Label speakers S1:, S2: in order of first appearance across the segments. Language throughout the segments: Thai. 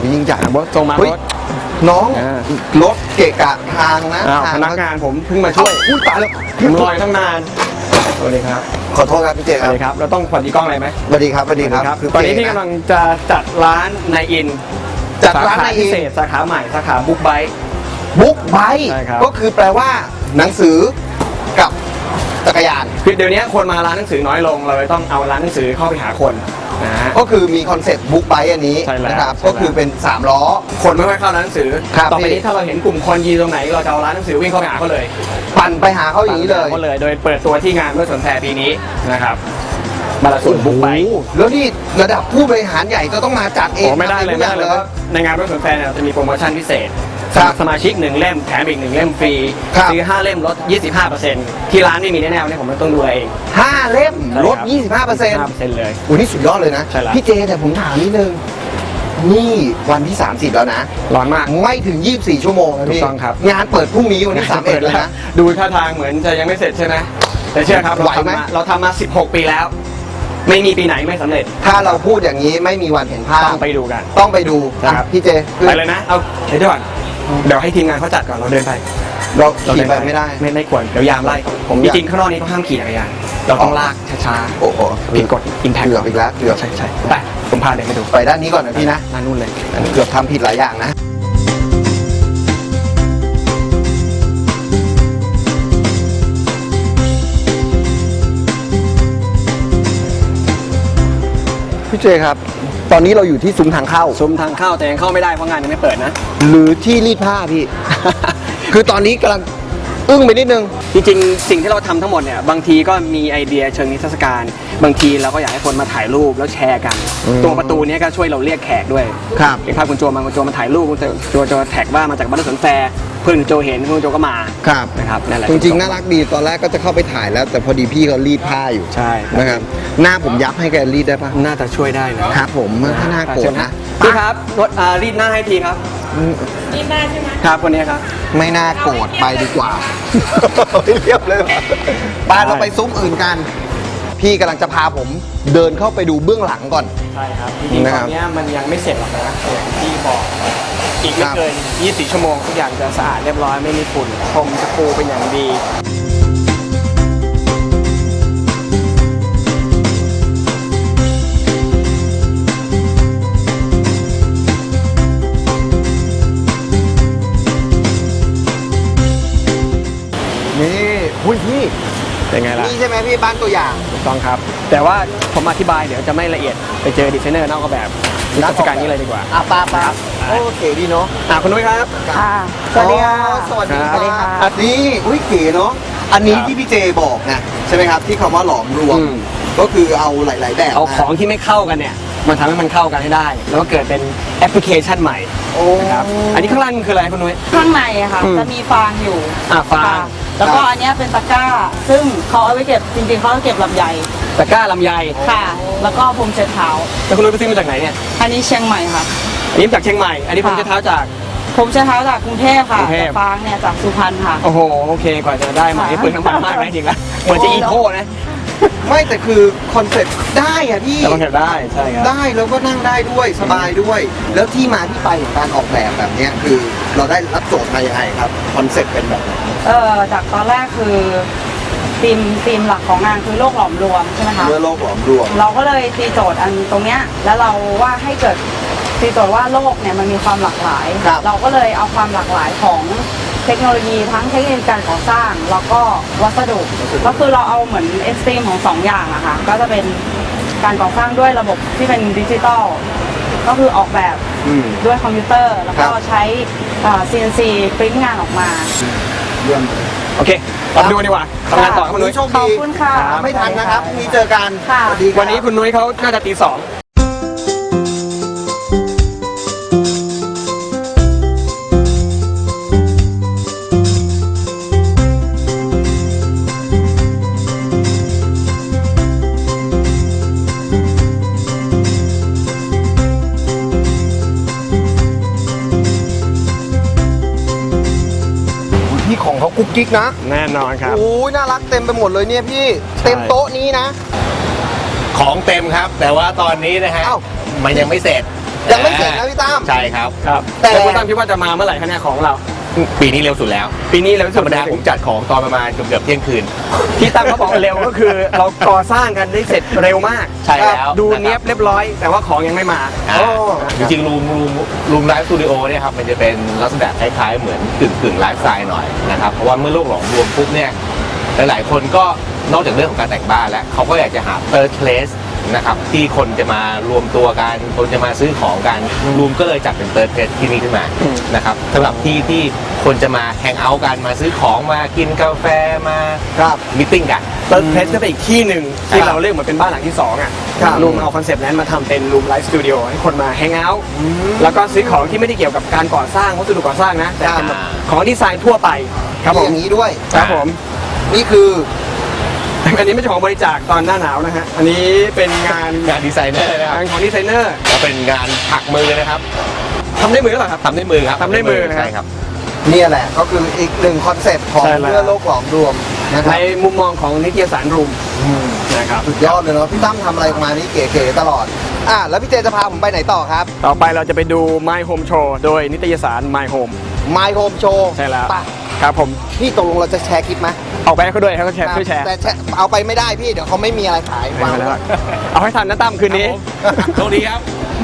S1: ยิ่งใหญ่
S2: ส่งมารถ
S1: น้องรถเกะกะทางนะ
S2: พนักงานผมเพิ่งมาช่วย
S1: อุ้ยตายแล้ว
S2: ผมรอตั้งนานสวัสดีครับ
S1: ขอโทษครับพี่เจครับ
S2: สวัสดีครับเราต้องสวัสดีกล้องอะไรไหม
S1: สวัสดีครับสวัสดีครับ
S2: ตอนนี้พี่กำลังจะจัดร้านในอิน
S1: จัดร้านในอิน
S2: พิเศษสาขาใหม่สาขาบุ๊กไบค์
S1: ก็คือแปลว่าหนังสือกับจักรยาน
S2: คือเดี๋ยวนี้คนมาร้านหนังสือน้อยลงเราเลยต้องเอาร้านหนังสือเข้าไปหาคนนะ
S1: ก็คือมีคอนเซ็ปต์บุ๊กไบค์อันนี้นะครับก็คือเป็น3ล้อ
S2: คนไม่ค่อยเข้าร้านหนังสือต่อไปนี้ถ้าเราเห็นกลุ่มคนยืนตรงไหนเราจะเอาร้านหนังสือวิ่งเข้าไปหาเขาเลย
S1: ปั่นไปหาเขาอย่างนี้เลย
S2: โดยเปิดตัวที่งานรถสวนแฟร์ปีนี้นะครับมาละส่วนบุ๊กไบค์
S1: แล้วนี่ระดับผู้บริหารใหญ่ก็ต้องมาจัดเอง
S2: ไม่ได้เลยในงานรถสวนแฟร์จะมีโปรโมชั่นพิเศษสมาชิก1เล่มแถมอีก1เล่มฟรีซื้อ5เล่มลด 25% ที่ร้านไม่มีแน่ๆเนี่ยผมต้องดูเอง
S1: 5เล่มลด 25%
S2: เลย
S1: โอ้นี่สุดยอดเลยนะพี่เจแต่ผมถามนิดนึงนี่วันที่30แล้วนะ
S2: ร้อนมาก
S1: ไม่ถึง24ชั่วโมงนะพี่
S2: ถูกต้องครับ
S1: งานเปิดพรุ่งนี้วันที่31แล้วนะ
S2: ดูท่าทางเหมือนจะยังไม่เสร็จใช่ไหมแต่เชื่อครับเราทำมา16 ปีแล้วไม่มีปีไหนไม่สำเร็จ
S1: ถ้าเราพูดอย่างนี้ไม่มีวันเห็นภาพ
S2: ต้องไปดูกัน
S1: ต้องไปดู
S2: ครับ
S1: พี่เจ
S2: ไปเลยนะเอาเดี๋ยวก่อนเดี๋ยวให้ทีมงานเขาจัดก่อนเราเดินไป
S1: เราขี่ไปไม่ได้
S2: ไม่ควรเดี๋ยวยามไล่จริงๆข้างนอกนี้เขาห้ามขี่จักรยานเราต้องลากช้า
S1: ๆโอ้โห
S2: ผิดกฎอินแพค
S1: เกือบอีกแล้วเกือบ
S2: ใช่แต่ผมพาเดินไปดู
S1: ไปด้านนี้ก่อนนะพี่นะ
S2: ด้านนู้นเลย
S1: เกือบทำผิดหลายอย่างนะพี่เจครับตอนนี้เราอยู่ที่ซุ้มทางเข้า
S2: แต่ยังเข้าไม่ได้เพราะงานยังไม่เปิดนะ
S1: หรือที่รีดผ้าพี่ คือตอนนี้กำลังอึ้งไปนิดนึง
S2: จริงๆสิ่งที่เราทำทั้งหมดเนี่ยบางทีก็มีไอเดียเชิงนิทรรศการบางทีเราก็อยากให้คนมาถ่ายรูปแล้วแชร์กันตรงประตูนี้ก็ช่วยเราเรียกแขกด้วย
S1: ครับ
S2: อย่างภาพคุณโจมาถ่ายรูปคุณโจแท็กว่ามาจากบ้านสวนแฟร์เพื่อนคุณโจเห็นคุณโจก็มา
S1: ครับ
S2: นะครับนั่นแหละ
S1: จริงๆน่ารักดีตอนแรกก็จะเข้าไปถ่ายแล้วแต่พอดีพี่เขารีดผ้าอยู่
S2: ใช่
S1: นะครับหน้าผมยับให้แกรีดได้ปะ
S2: น่าจะช่วยได้นะครับ
S1: ผมถ้าหน้าโกรธนะ
S2: พี่ครับรีดหน้าให้ทีครับ
S3: รีดหน้าใช่ไหม
S2: ครับคนนี้ครับ
S1: ไม่น่าโกรธไปดีกว่าเรียบเลยไปเราไปซุ้มอื่นกันพี่กำลังจะพาผมเดินเข้าไปดูเบื้องหลังก่อน
S2: ใช่ครับจริงๆตอนนี้มันยังไม่เสร็จหรอกนะอย่างที่บอกอีกไม่เกิน24ชั่วโมงทุกอย่างจะสะอาดเรียบร้อยไม่มีฝุ่นพรมจะปูเป็นอย่างดี
S1: นี่หุ้ยพี่
S2: เป็นไงล่ะ
S1: นี่ใช่ไหมพี่บ้านตัวอย่าง
S2: ถูกต้องครับแต่ว่าผมอธิบายเดี๋ยวจะไม่ละเอียดไปเจอดีไซเนอร์นอกแบบนิทรรศการนี้เลยดีกว่า
S1: ป้าโอเคดีเนาะ
S2: คุณนุ้ยครับ
S3: สวัสดีค่ะ
S1: สวัสดีค่ะอันนี้อุ้ยเก๋เนาะอันนี้ที่พี่เจบอกนะใช่ไหมครับที่คำว่าหลอมรวมก็คือเอาหลายๆแบบ
S2: เอาของที่ไม่เข้ากันเนี่ยมันทำให้มันเข้ากันให้ได้แล้วก็เกิดเป็นแอปพลิเคชันใหม่นะครับอันนี้ข้างล่างคืออะไรคุณนุ้ย
S3: ข้างในอะค่ะจะมีฟางอยู่
S2: ฟาง
S3: แล้วก็อันนี้เป็นตะกร้าซึ่งเขาเอาไว้เก็บจริงๆเขาเก็บลำไย
S2: ตะกร้าลำไย
S3: ค่ะแล้วก็พรมเช็ดเท้า
S2: แล้วคุณนุ้ยไปซื้อมาจากไหนเนี่ย
S3: อันนี้เชียงใหม่ค่ะ
S2: อันนี้จากเชียงใหม่อันนี้พรมเช็ดเท้าจาก
S3: ผมเช็ดเท้าจากกรุงเทพค่ะแต่ฟางเนี่ยจากสุพรรณค่ะ
S2: โอ้โหโอเคกว่าจะได้มาเปลืองน้ำมันมากนะจริงแล้วเหมือนจะอีโคนะ
S1: ไม่แต่คือคอนเซ็ปต์ได้อะพี่
S2: คอนเซ็ปต์ได้ใช่ครับ
S1: ได้แล้วก็นั่งได้ด้วยสบายด้วยแล้วที่มาที่ไปของการออกแบบนี้คือเราได้รับโจทย์มาอย่างไรครับคอนเซ็ปต์เป็นแบบไหน
S3: จากตอนแรกคือธีมหลักของงานคือโลกหลอมรวมใช่ไหมคะ
S1: โลกหลอมรวม
S3: เราก็เลยตีโจทย์อันตรงเนี้ยแล้วเราว่าให้เกิดตีโจทย์ว่าโลกเนี่ยมันมีความหลากหลายเราก็เลยเอาความหลากหลายของเทคโนโลยีทั้งเทคโนโลยีการก่อสร้างแล้วก็วัสดุก็คือเราเอาเหมือนเอ็กซ์ตรีมของ2อย่างอะค่ะก็จะเป็นการก่อสร้างด้วยระบบที่เป็นดิจิตอลก็คือออกแบบด้วยคอมพิวเตอร์แล้วก็ใช้ CNC ปริ้นงานออกมา
S2: โอเคเราดูดีกว่าทำงานต่อคุณนุ้ย
S1: โชคดี
S3: ขอบคุณค่ะ
S1: ไม่ทันนะครับพรุ่งนี้เจอกัน
S2: วันนี้คุณนุ้ยเขาน่าจะตี 2
S1: ของเขากุ๊กกิ๊กนะ
S2: แน่นอนครับ
S1: โอ้ยน่ารักเต็มไปหมดเลยเนี่ยพี่เต็มโต๊ะนี้นะ
S4: ของเต็มครับแต่ว่าตอนนี้นะฮะมันยังไม่เสร็จ
S1: ยังไม่เสร็จนะพี่ตั้ม
S4: ใช่ครับ
S2: ครับ
S1: แต่
S2: แต่คุณตั้มคิดว่าจะมาเมื่อไหร่คะเนี่ยของเรา
S4: ปีนี้เร็วสุดแล้ว
S2: ปีนี้เร็วที่
S4: ธ
S2: สุ
S4: ร
S2: ด
S4: รมดาผมจัดของตอนประมาณเกือบเที่ยงคืน
S2: ที่ตั้มเขาบอกเร็วก็คือเราก่อสร้างกันได้เสร็จเร็วมาก
S4: ใช่แล้ว
S2: ดูเนี้ยบเรียบร้อย แต่ว่าของยังไม่มา
S4: อ่าจริงๆรูมไลฟ์สตูดิโอเนี่ยครับมันจะเป็นลักษณะคล้ายๆเหมือนกึ่งไลฟ์สไตล์หน่อยนะครับเพราะว่าเมื่อโลกหลอมรวมปุ๊บเนี่ยหลายๆคนก็นอกจากเรื่องของการแต่งบ้านแล้วเขาก็อยากจะหา third place นะครับที่คนจะมารวมตัวกันคนจะมาซื้อของกันรูมก็เลยจัดเป็น third place ที่นี่ขึ้นมานะครับสำหรับที่คนจะมาแฮงเอาท์กันมาซื้อของมากินกาแฟมา
S1: ครับ
S4: มิทติ้งกัน
S2: เติร์ดเพลสก็เป็นอีกที่หนึ่งที่
S1: ครับ
S2: เราเรียกเหมือนเป็นบ้านหลังที่2อ่ะ
S1: ครับ
S2: รูมเอาคอนเซปต์นั้นมาทำเป็นรูมไลฟ์สตูดิโอให้คนมาแฮงเอาท์แล้วก็ซื้อของที่ไม่ได้เกี่ยวกับการก่อสร้างวัสดุก่อสร้างนะแต่เป็นแบบของดีไซน์ทั่วไปครับผ
S1: มี
S2: ม
S1: อย่างนี้ด้วย
S2: ครับผม
S1: นี่คือ
S2: อันนี้ไม่ใช่ของบริจาคตอนหน้าหนาวนะฮะอันนี้เป็นงาน
S4: งานดีไซเนอร์นะครับ
S2: งานของดีไซเนอร์
S4: ก็เป็นงานถักมือนะครับ
S2: ทำด้วยมือหรือเปล่าครับ
S4: ทำด้วยมือครับ
S2: ทำด้วยมือนะครับ
S4: ใช่ครับ
S1: เนี่ยแหละก็คืออีกหนึ่งคอนเซ็ปต์ของ
S2: ใช่แล้ว
S1: เพื่อโลกหลอมรวมนะค
S2: ใน
S1: รับ
S2: มุมมองของนิตยสารรูมนะครับ
S1: สุดยอดเลยเนาะพี่ตั้มทำอะไรออกมานี่เก๋ๆตลอดแล้วพี่เจจะพาผมไปไหนต่อครับ
S2: ต่อไปเราจะไปดู My Home Show โดยนิตยสาร My Home
S1: My Home Show
S2: ใช่แล้ว
S1: ไป
S2: ครับผม
S1: พี่ตกลงเราจะแชร์คลิปไหม
S2: ออกไปให้เขาด้วยให้เขาแชร์ช่วยแชร์
S1: แต่เอาไปไม่ได้พี่เดี๋ยวเขาไม่มีอะไรขายวาง
S2: ไม่
S1: ไว้
S2: ได้เอาให้ทันนะตั้มคืนนี้
S4: โชคดีครับ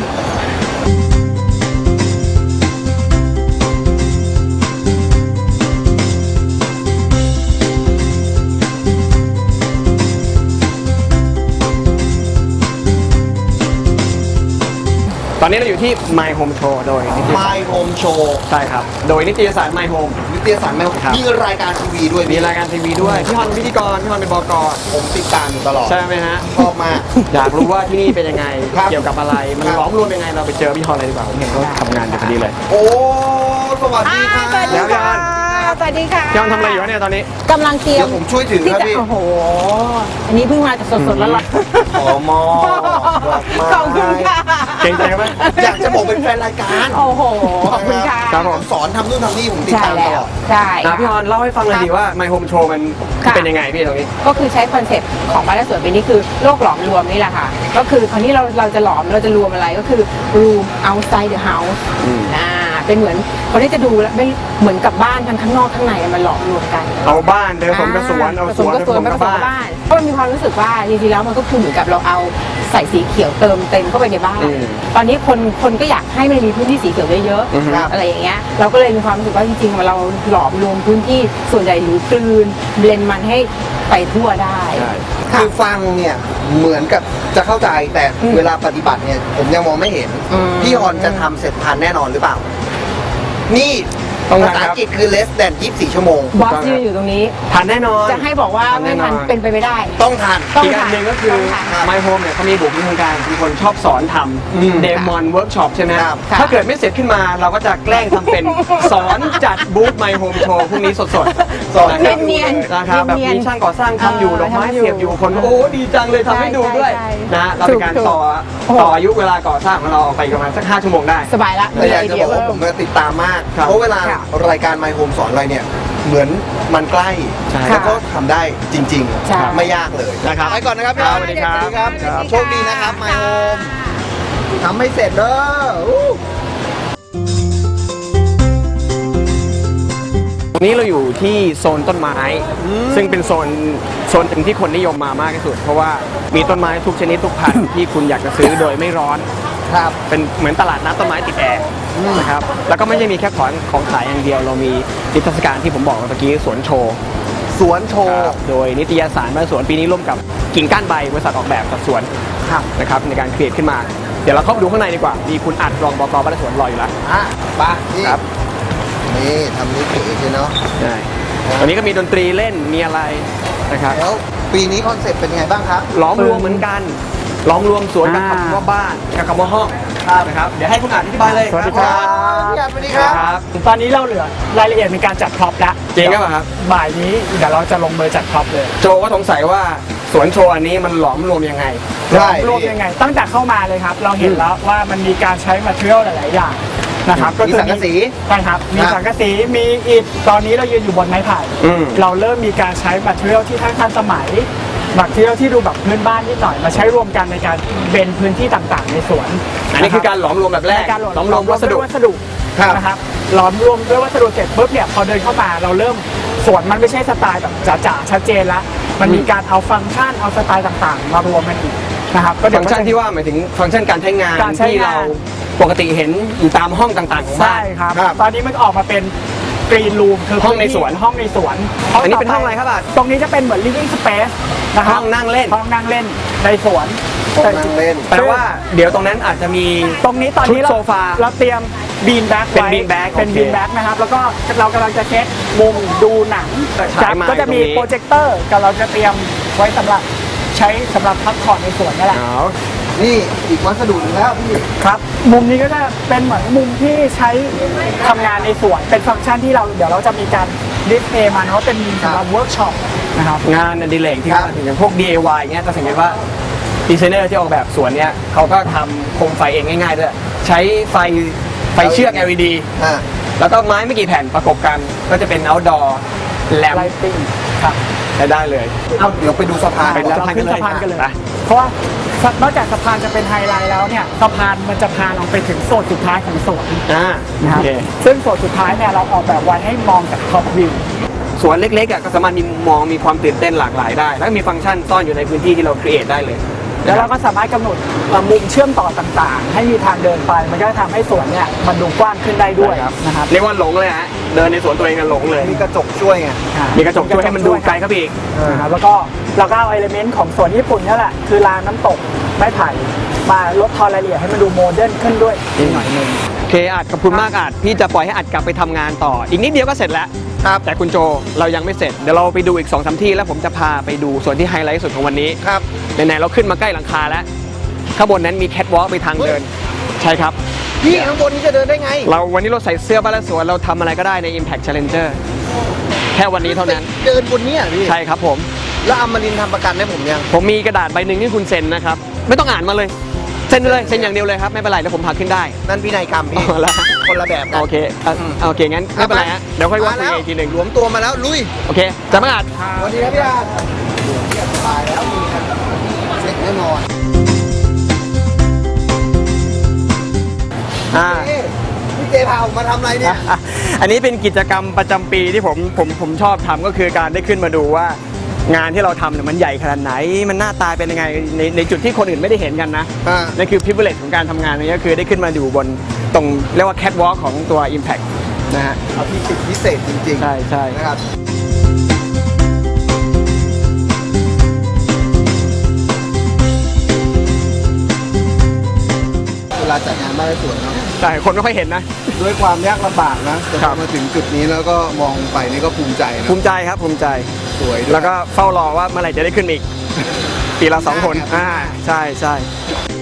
S2: ตอนนี้เราอยู่ที่ My Home Show โดยนิตยสาร
S1: My Home Show
S2: ใช่ครับ โดยนิตยสาร My Home
S1: นิตยสารแมว
S2: ครับ
S1: มีรายการทีวีด้วย
S2: มีรายการทีวีด้วย พี่ฮอนเป็นพิธีกร พี่ฮอนเป็นบก
S1: ผมติดตามอยู่ตลอด
S2: ใช่ไหมฮะ
S1: ชอบมาก
S2: อยากรู้ว่าที่นี่เป็นยังไง
S1: ครับ
S2: เกี่ยวกับอะไร มัน
S1: ครับ
S2: ล้อมรวมยังไง เราไปเจอพี่ฮอนเลยดีกว่าผมเห็นเขาทำงานอยู่พอดีเลย
S1: โอ้สวัสดีค่ะ
S3: สวัสดีค่ะ สวัสดีค่ะ
S2: พี่ฮอนทำอะไรอยู่วะเนี่ยตอนนี้
S3: กำลังเตรีย
S1: เดี๋
S3: ม
S1: ยวผมช่วยถือ
S3: ที่
S1: ครับ
S3: จะ
S1: พี่
S3: โอ้โห อันนี้เพิ่งมาจากสดๆแล้วล่ะ
S1: ขอมอดอกไม้
S3: ขอบคุณค่ะ
S2: เก่งใจไหม
S1: อยากจะบอกเป็นแฟนรายการ
S3: โอ้โห ขอบคุณค่ะ
S2: ครับผม
S1: สอนทำนู่นทำนี่ผมติด
S3: ใช่
S1: ตามต
S3: แล้
S1: ล
S3: ว
S1: อด
S3: ใช่
S2: พี่ฮอนเล่าให้ฟังเลยดีว่า My Home Show มัน
S3: ค่ะ
S2: เป็นยังไงพี่ตรงนี้
S3: ก็คือใช้คอนเซ็ปต์ของบ้านและสวนปีนี้คือโลกหลอมรวมนี่แหละค่ะ ก็คือคราวนี้เราจะหลอมเราจะรวมอะไรก็คือ room outside the house เป็นเหมือนคนที่จะดูแล้วไม่เหมือนกับบ้านทั้งข้างนอกข้างในมันหลอมรวมกัน
S2: เอาบ้านเดินผสมกับสวน เอา
S3: ผ
S2: ส
S3: สม
S2: วน
S3: กับสวน
S2: ผ
S3: ผ
S2: ส
S3: ส
S2: ม
S3: ม
S2: กับ
S3: กับ
S2: บ้า
S3: บ้าน นเพราะมันมีความรู้สึกว่าจริงๆแล้วมันก็คือเหมือนกับเราเอาใส่สีเขียวเติมเต็มเข้าไปในบ้าน ตอนนี้คนก็อยากให้มันมีพื้นที่สีเขียวเยอะ
S2: อือฮึ
S3: ๆอะไรอย่างเงี้ยเราก็เลยมีความรู้สึกว่าจริงๆเราหลอมรวมพื้นที่ส่วนใหญ่หรือกลืนเบลนมันให้ไปทั่วได้
S2: ใช่
S1: คือฟังเนี่ยเหมือนกับจะเข้าใจแต่เวลาปฏิบัติเนี่ยผมยังมองไม่เห็น
S3: อืม
S1: พี่ฮอนจะทำเสร็จทันแน่นอนหรือเปล่า นี่
S2: ต้อง
S1: ภา
S2: ทัน
S1: ษา
S2: ครับ
S1: อังกฤษคือ less than 24 ชั่วโมง
S3: บอสยืนอยู่ตรงนี้
S2: ทันแน่นอน
S3: จะให้บอกว่าไม่ทันเป็นไปไม่ได้
S1: ต้องทัน
S3: ต้อง
S2: อีกอันหนึ่งก็คือ
S3: ต้องทัน
S2: My Home เนี่ยเขามีบุคลิกทางการเป็นคนชอบสอนท
S1: อืม
S2: ำเดมอนเวิร์กช็อปใช่ไหม
S1: ครับ
S2: ถ้าเกิดไม่เสร็จขึ้นมาเราก็จะแกล้งทำเป็น สอนจัดบูธ My Home Show พรุ่งนี้สดๆ
S1: สอน
S2: นะครับ
S3: เนียนๆ
S2: นะครับแบบ
S3: เนียนๆ
S2: มีช่างก่อสร้างทำอยู่
S3: เออ
S2: ดอกไม้
S3: ทำอยู่
S2: เสียบอยู่คนก็โอ้ดีจังเลยทำให้ดูด้วย
S3: ใช่
S2: นะเราเป็นการ
S3: ถูก
S2: ต่ออายุเวลาก่อสร้างของเราออกไปประมาณสัก5ชั่วโมงได้
S3: สบายละ
S1: แต่อยากจะบอกว่าผมติดตามมาก
S2: ครับ
S1: เพราะเวลา
S3: ค่ะ
S1: รายการ My Home สอนอะไรเนี่ย เหมือนมันใกล้
S2: ใช่
S1: แล้วก็ทำได้จริง
S3: ใช่
S1: ๆ ไม่ยากเลย
S2: นะครับ
S1: ไปก่อนนะครับพี่
S2: ครับ
S1: ฮอน
S2: สวัสดีครับ
S1: ครับ
S3: ครับ
S1: โชคดีนะครับ My Home ทำให้เสร็จเด้ออู้
S2: ตรงนี้เราอยู่ที่โซนต้นไม้ ซึ่งเป็นโซนหนึ่งที่คนนิยมมามากที่สุด เพราะว่ามีต้นไม้ทุกชนิดทุกพันธุ์ ที่คุณอยากจะซื้อโดยไม่ร้อน
S1: ครับ
S2: เป็นเหมือนตลาดนัดต้นไม้ติดแอร์นะครับแล้วก็ไม่ใช่มีแค่ของขายอย่างเดียว เรามีนิทรรศการที่ผมบอกเมื่อกี้สวนโชว์
S1: สวนโชว์
S2: โดยนิตยสารบ้านสวนปีนี้ร่วมกับกิ่งก้านใบบริษัทออกแบบสัดส่วน
S1: ครับ
S2: นะครับในการครีเอทขึ้นมา เดี๋ยวเราเข้าไปดูข้างในดีกว่ามีคุณอัดรองบกบ้านสวนรออยู่แล้ว
S1: ไปนี่
S2: ครับ
S1: นี่ทำนี้เก๋เลยเนาะ
S2: ใช่วันนี้ก็มีดนตรีเล่นมีอะไรนะครับ
S1: แล้วปีนี้คอนเซ็ปต์เป็นไงบ้างครับ
S2: ล้อมรวมเหมือนกันล้อมรวมสวนกับคำว่าบ้านกับคำว่าห้องนะครับเดี๋ยวให้คุณอัดอธิบายเลย
S5: สวัสดีครับ
S1: พี่อัดสวัสดีครับ
S2: ครับ
S5: ตอนนี้เราเหลือรายละเอียดในการจัดพร็อพแล้ว
S2: จริงหรือเปล่าครับ
S5: บ่ายนี้เดี๋ยวเราจะลงมือจัดพร็อพเลย
S2: โจก็สงสัยว่าสวนโชว์อันนี้มันหลอมรวมยังไง
S1: ใช่
S5: รวมยังไง ตั้งแต่เข้ามาเลยครับ เราเห็นแล้วว่ามันมีการใช้มาเทียลหลายๆอย่างนะครับ
S1: มีสังกะสี
S5: ใช่ครับ มีสังกะสี มีอิฐ ตอนนี้เรายืนอยู่บนไม้ไผ่
S2: อืม
S5: เราเริ่มมีการใช้มาเทียลที่ทั้งทันสมัยมาเที่ยวที่ดูแบบพื้นบ้านนิดหน่อยมาใช้รวมกันในการเบนพื้นที่ต่างๆ ในสวน
S2: อันนี้คือการหลอมรวมแบบแรก
S5: ในการหล
S2: หลอมรวมวัสดุ
S5: ด้วยวัสดุ
S1: ครับ
S5: นะครับหลอมรวมด้วยวัสดุเสร็จปุ๊บเนี่ยพอเดินเข้ามาเราเริ่มสวนมันไม่ใช่สไตล์แบบจ๋าๆชัดเจนละมันมีการเอาฟังก์ชันเอาสไตล์ต่างๆ มารวมกันอีกนะครับก็เดี๋ย
S2: ฟั
S5: ว
S2: งก์ชันที่ว่าหมายถึงฟังก์ชันการใช้งาน
S5: การใช้
S2: ที่
S5: งาน
S2: เราปกติเห็นอยู่ตามห้องต่างๆของบ้า
S5: ใช่
S2: น
S5: ครับ
S1: ครับ
S5: ตอนนี้มันออกมาเป็นกรีนรูมคือ
S2: ห้องในสวน
S5: ห้องในสวน
S2: อันนี้เป็นห้องอะไรครับอ่ะ
S5: ตรงนี้จะเป็นเหมือน living space นะครับ
S2: ห้องนั่งเล่น
S5: ห้องนั่งเล่นในสวน
S1: ห้องนั่งเล่น
S2: แปลว่าเดี๋ยวตรงนั้นอาจจะมี
S5: ตรงนี้ตอนนี้
S2: ชุดโซฟา
S5: เราเตรียมบีนแบ็ก
S2: เป็น beanbag
S5: เป็น
S2: โอเค
S5: บีนแบ็กนะครับแล้วก็เรากำลังจะเช็คมุมดูหนัง
S2: ฉายไม้
S5: ก็จะมี
S2: ตรงนี้
S5: โปรเจคเตอร์กับเราจะเตรียมไว้สำหรับใช้สำหรับพักผ่อนในสวนนี่แหละ
S2: อ๋อ
S1: นี่อีกวัสดุหนึงแล้วพี่
S5: ครับ มุมนี้ก็จะเป็นเหมือนมุมที่ใช้ทำงานในสวน เป็นฟังก์ชันที่เราเดี๋ยวเราจะมีการดิสเพย์มาเนาะเป็นสำหรับเวิร์กช็อปนะครับ
S2: งานอดิเรกที่
S1: ครับ
S2: เขาถึงอย่างพวก DIY เงี้ยจะสังเกตว่าดีไซเนอร์ที่ออกแบบสวนเนี้ยเขาก็ทำโคมไฟเองง่ายๆด้วยใช้ไฟเชือก LED
S1: อ่า
S2: แล้วก็ไม้ไม่กี่แผ่นประกบกันก็จะเป็น outdoor แลม
S5: ไลติ้งครับ
S2: ใช้ได้เลย
S1: เอาเดี๋ยวไปดูสะพาน
S2: ไป
S5: เรา
S2: สะพาน
S5: ขึ้น
S2: กันเลย
S5: สะพานกันเลย
S2: ไป
S5: เพราะว่านอกจากสะพานจะเป็นไฮไลท์แล้วเนี่ยสะพานมันจะพาเราไปถึงโซนสุดท้ายของสวน
S2: อ่า
S5: นะค
S2: โอ
S5: รับ
S2: เค
S5: ซึ่งโซนสุดท้ายเนี่ยเราออกแบบไว้ให้มองจากท็อปวิว
S2: สวนเล็กๆอ่ะก็สามารถมีความตื่นเต้นหลากหลายได้ แล้วก็มีฟังก์ชันซ่อนอยู่ในพื้นที่ที่เราครีเอทได้เลย
S5: แล้วเราก็สามารถกำหนดมุมเชื่อมต่อต่างๆ ให้มีทางเดินไป มันก็จะทำให้สวนเนี่ยมันดูกว้างขึ้นได้ด้วยนะครับ
S2: เรียกว่าหลงเลยฮะเดินในสวนตัวเองกันหลงเลย
S1: มีกระจกช่วยไง
S2: มีกระจกช่วยให้มันดูไกลครับอีก
S5: นะครับแล้วก็เราก็เอาเอลิเมนต์ของสวนญี่ปุ่นนี่แหละคือรางน้ำตกไม้ไผ่มาลดทอนรายละเอียดให้มันดูโมเดิร์นขึ้นด้วยนิดหน่อยนึง
S2: โอเคอาจขอบคุณมากอาจพี่จะปล่อยให้อาจกลับไปทำงานต่อ อีกนิดเดียวก็เสร็จแล้ว
S1: ครับ
S2: แต่คุณโจเรายังไม่เสร็จ เดี๋ยวเราไปดูอีก 2-3 ที่แล้วผมจะพาไปดูส่วนที่ไฮไลท์สุดของวันนี้
S1: ครับ
S2: ไหนๆเราขึ้นมาใกล้หลังคาแล้ว ข้างบนนั้นมีแคทวอล์กไปทางเดิน ใช่ครับ
S1: พี่ข้างบนนี้จะเดินได้ไง
S2: เราวันนี้เราใส่เสื้อบ้านและสวนเราทำอะไรก็ได้ใน Impact Challenger แค่วันนี้เท่านั้น
S1: เดินบนเนี้ยพี่
S2: ใช่ครับผม
S1: แล้วอมรินทร์ทำประกันให้ผมยัง
S2: ผมมีกระดาษใบหนึ่งที่คุณเซ็นนะครับ ไม่ต้องอ่านมาเลย เซ็นเลยเซ็นอย่างเดียวเลยครับ ไม่เป็นไรเดี๋ยวผมพาขึ้นได้
S1: นั่นพินัยกรรมพี่
S2: เอาละ
S1: คนละแบบกัน
S2: โอเคโอเคงั้นไม่เป็นไรฮะเดี๋ยวค่อยว่าคุยอีกทีหนึ่ง
S1: รวมตัวมาแล้วลุย
S2: โอเคจะไม่อาจ
S1: สวัสดีครับพี่อาตายแล้วมีกันเซ็ตแน่นอน เอ๊ะพี่เจพาผมมาทำอะไรเนี่ย
S2: อันนี้เป็นกิจกรรมประจำปีที่ผมชอบทำก็คือการได้ขึ้นมาดูว่างานที่เราทำเนี่ยมันใหญ่ขนาดไหน มันหน้าตาเป็นยังไงในจุดที่คนอื่นไม่ได้เห็นกันนะ
S1: อ่า
S2: นั่นคือ privilege ของการทำงานนี้ก็คือได้ขึ้นมาอยู่บนตรงเรียกว่า catwalk ของตัว Impact นะฮะ
S1: เอาที่ติดพิเศษจริงๆ
S2: ใช่ใช่
S1: นะครับเวลาจัดงานบ้านและสวนเนาะ
S2: แต่คนไม่ค่อยเห็นนะ
S1: ด้วยความยากลำบากนะแต่พ
S2: ครั
S1: อบ มาถึงจุดนี้แล้วก็มองไปนี่ก็ภูมิใจนะ
S2: ภูมิใจครับภูมิใจ
S1: สวยด้วย
S2: แล้วก็เฝ้ารอว่าเมื่อไหร่จะได้ขึ้นมาอีก ปีละ2 คน
S1: อ่า
S2: ใช่ใช่